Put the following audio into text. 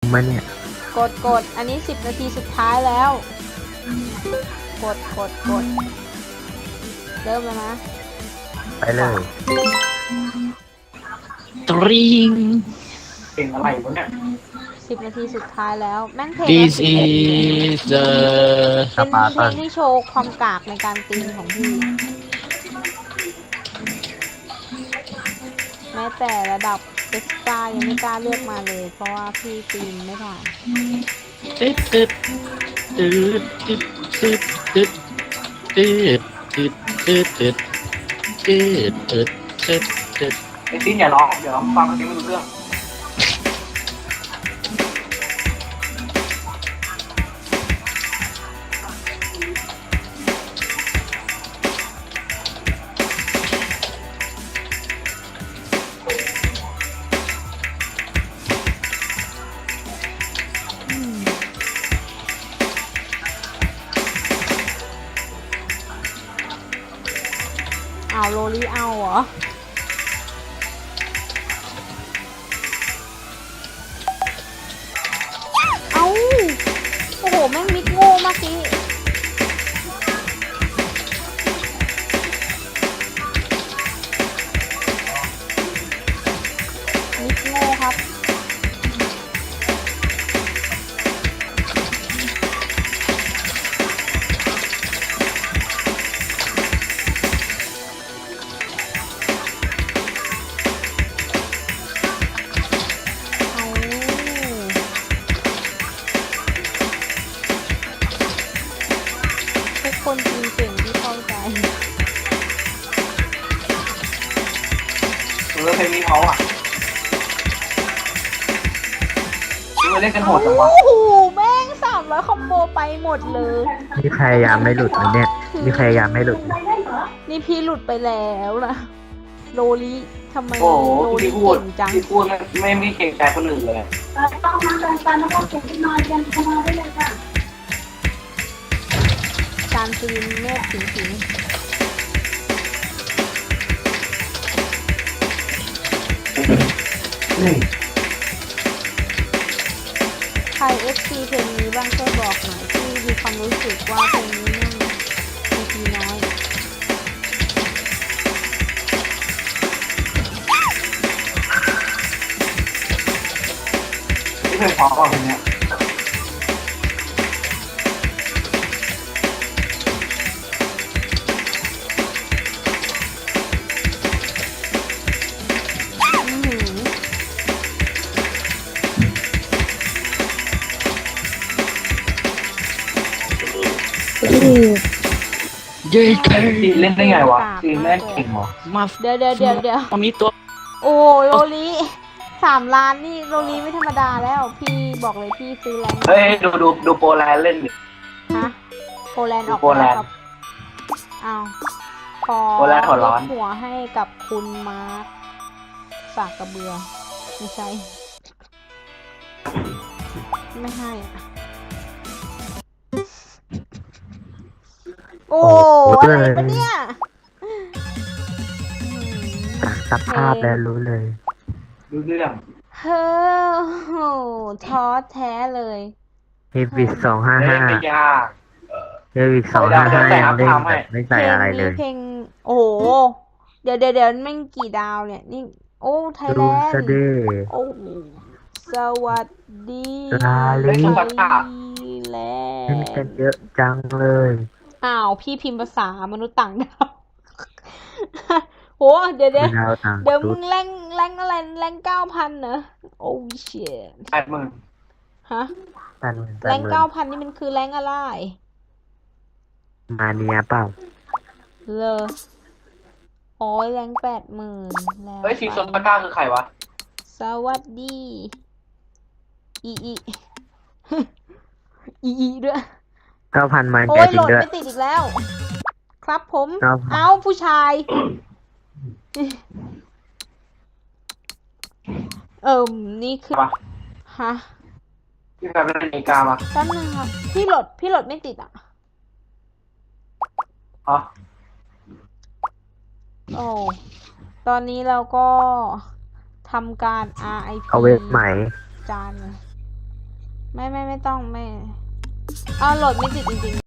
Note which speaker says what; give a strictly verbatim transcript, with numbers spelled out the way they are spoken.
Speaker 1: มาเนี่ย
Speaker 2: กดกดอันนี้สิบนาทีสุดท้ายแล้วกดกดกดเริ่มแล้วนะ
Speaker 1: ไปเลย
Speaker 3: ตริง
Speaker 4: เพลงอะไรวะเนี่ย
Speaker 2: สิบนาทีสุดท้ายแล้วแม่งเพลง
Speaker 3: This is the
Speaker 2: เป็นเพลงที่โชว์ความกากในการตีของพี่แม้แต่ระดับเอ็กซ์ตร้ายังไม่กล้าเลือกมาเลยเพราะว่าพี่ตีมไม่ผ่าน
Speaker 3: ตึ๊ดตึ๊ดตึ๊ดตึ๊ดตึ๊ดตึ๊ดตึ๊ดตึ๊ดตึ๊ดตึ๊ดตึ๊ดตึ๊ดตึ๊ดตึ๊ด
Speaker 4: ไอ้ติ้นอย่าร้องอย่าร้องฟังเพลงไม่รู้เรื่อง
Speaker 2: เอาโรลี่เอาเหรอเอาโอ้โหแม่งมิดโง่มากสิมิดโง่ครับคนจีนเก่งที่เข้าใจ
Speaker 4: เออเพลงนี้เขาอ่ะเล่นกันโหดจังวะ
Speaker 2: โอ้โหแม่งสามร้อยคอมโบไปหมดเลย
Speaker 1: นี่พยายามไม่หลุดนะเนี่ยนี่พยายามไม่หลุด
Speaker 2: นี่พี่หลุดไปแล้วนะโรลี่ทำไม
Speaker 4: โอ้โห
Speaker 2: โรลี่
Speaker 4: พี่พูด
Speaker 2: เก่งจัง
Speaker 4: พี่พูดไม่ไม่เก่งใจคนอื่นเลย
Speaker 5: ต้องมาเดินไปแล้วก็เก็บนอนกันเข้ามาได้เลยค่ะ
Speaker 2: การตีนเมฆสิงสิงใคร เอฟ ซี เพลงนี้บ้างช่วยบอกหน่อยที่มีความรู้สึกว่าเพลงนี้นั่งทีทีน้อย
Speaker 4: ที่เพลงเพราะกว่าเพลงเนี้ย
Speaker 3: เย้เก่ง
Speaker 4: ตีเล่นได้ไงวะตีแม่เก่งเหรอ
Speaker 3: มา
Speaker 2: เดี๋ยวเดี๋ยวเดี๋ยวเดี๋ยว
Speaker 3: ตอนนี้ตัว
Speaker 2: โอ้โรลี่สามล้านนี่โรลี่ไม่ธรรมดาแล้วพี่บอกเลยพี่ซื้อแรง
Speaker 4: เฮ้ยดูดูดูโปแลนด์เล่นดิ
Speaker 2: ฮะโปแลนด์ออก
Speaker 4: แล้ว
Speaker 2: ครับอ้าวขอ
Speaker 4: โปแลนด์หัวร้อน
Speaker 2: หัวให้กับคุณมาร์คฝากกระเบือไม่ใช่ไม่ให้อะโอ้อะไรปะเนี่ย
Speaker 1: สภาพแล้วรู้เลย
Speaker 4: รู้เรื่อง
Speaker 2: เฮ้อท้อแท้เลย
Speaker 1: เฮวิสสองห้าห้า
Speaker 4: ไม่ยาก
Speaker 1: เฮวิสสองห้าห้ายังเล่นแบบไม่ใส่อะไรเลย
Speaker 2: เพลงโอ้โหเดี๋ยวเดี๋ยวเดี๋ยวไม่กี่ดาวเนี่ยนี่โอ้ไทยแลนด์โอ้สวัสดี
Speaker 1: ลาลี
Speaker 2: ไทยแลน
Speaker 1: ด์เล่นกันเยอะจังเลย
Speaker 2: อ้าวพี่พิมพ์ภาษามนุษย์ต่างดาวโหเดี๋ยวเดี๋ยวเดี๋ยวมึงแรงแรงอะไรแรงเก้าพันเหรอโอ้เชี่ย
Speaker 4: แปดหมื่น
Speaker 2: ฮะแรงเก้าพันนี่มันคือแรงอะไร
Speaker 1: มาเนียเปล่า
Speaker 2: เลยโอ้ยแรงแปดหมื่นแล้ว
Speaker 4: เฮ้ยชิงซอนตะก้าคือใครวะ
Speaker 2: สวัสดีอีอีอีอีด้วย
Speaker 1: เก้าพันมา
Speaker 2: โอ้ยโหลดไม่ติดอีกแล้วครับผมเอ้าผู้ชายเอิมนี่คือฮะ
Speaker 4: พี่แบบเป็นนาฬิกามา
Speaker 2: แป๊บนึงครับพี่โหลดพี่โหลดไม่ติดอ่ะ
Speaker 4: อ๋อ
Speaker 2: โอ้ตอนนี้เราก็ทำการ อาร์ ไอ พี
Speaker 1: เอาเว็บใหม่
Speaker 2: จานเลยไม่ไม่ไม่ต้องไม่เอาโหลดไม่ติดจริงๆ